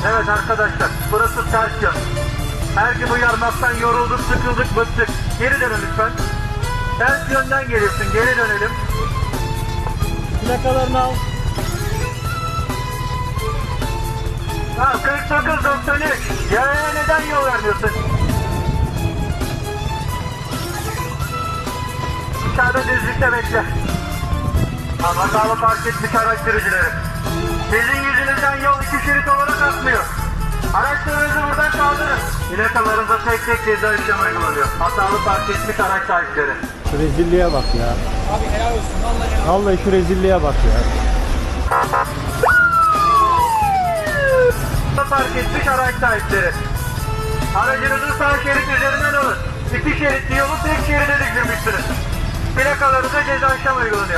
Evet arkadaşlar, burası ters yön. Her gün uyarmaktan yorulduk, sıkıldık, bıktık. Geri dönün lütfen. Ters yönden geliyorsun, geri dönelim. Plakalarını al. Ha, 49-93. Yaya neden yol vermiyorsun? Dışarıda düzlükte bekle. Hatalı park etmiş araç sürücüleri. Sizin yüzünüzden yol 2 şerit olarak akmıyor. Araçlarınızı buradan kaldırın. Plakalarınıza tek tek ceza işlemi uygulanıyor. Hatalı park etmiş araç sahipleri. Şu rezilliğe bak ya. Abi helal olsun vallahi. Vallahi şu rezilliğe bak ya. Park etmiş araç sahipleri. Aracınızı sağ şerit üzerinden alın. 2 şeritli yolu tek şeride düşürmüşsünüz. Plakalarınıza ceza işlemi uygulanıyor.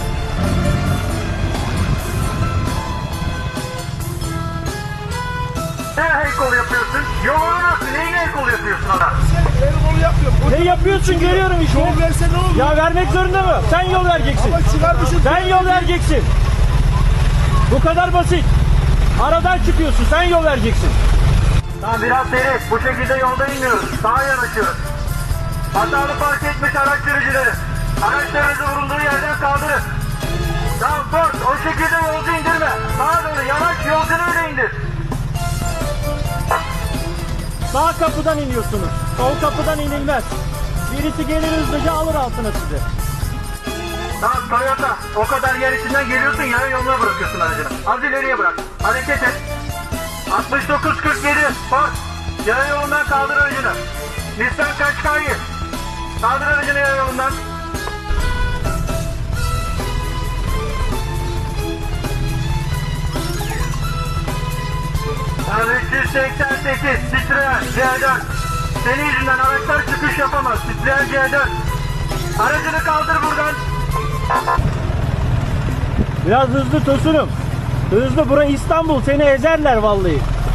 Ne el kol yapıyorsun? Yolunu nasıl? Neyin el kol yapıyorsun adam? El kolu yapıyorum. Ne yapıyorsun görüyorum işte. Yol verse ne olur? Ya vermek zorunda mı? Sen yol vereceksin. Ama çıkarmışsın. Sen yol vereceksin. Bu kadar basit. Aradan çıkıyorsun. Sen yol vereceksin. Tamam biraz seri. Bu şekilde yolda inmiyoruz. Sağa yanaşıyoruz. Hatalı park etmiş araç sürücüleri. Araçlarınızı vurulduğu yerden kaldırın. Tamam Ford, o şekilde yolcu indirme. Sağa doğru yanaş, yolcunu öyle indir. Sağ kapıdan iniyorsunuz. Sol kapıdan inilmez. Birisi gelir hızlıca alır altına sizi. Tamam Toyota, o kadar yer içinden geliyorsun ya yoluna bırakıyorsun aracını. Az ileriye bırak. Hareket et. 69-47 Ford, yaya yolundan kaldır aracını. Nissan Qashqai, kaldır aracını yaya yolundan. Yani 388 Citroen C4. Senin yüzünden araçlar çıkış yapamaz. Citroen C4. Aracını kaldır buradan. Biraz hızlı Tosunum. Hızlı, bura İstanbul. Seni ezerler vallahi.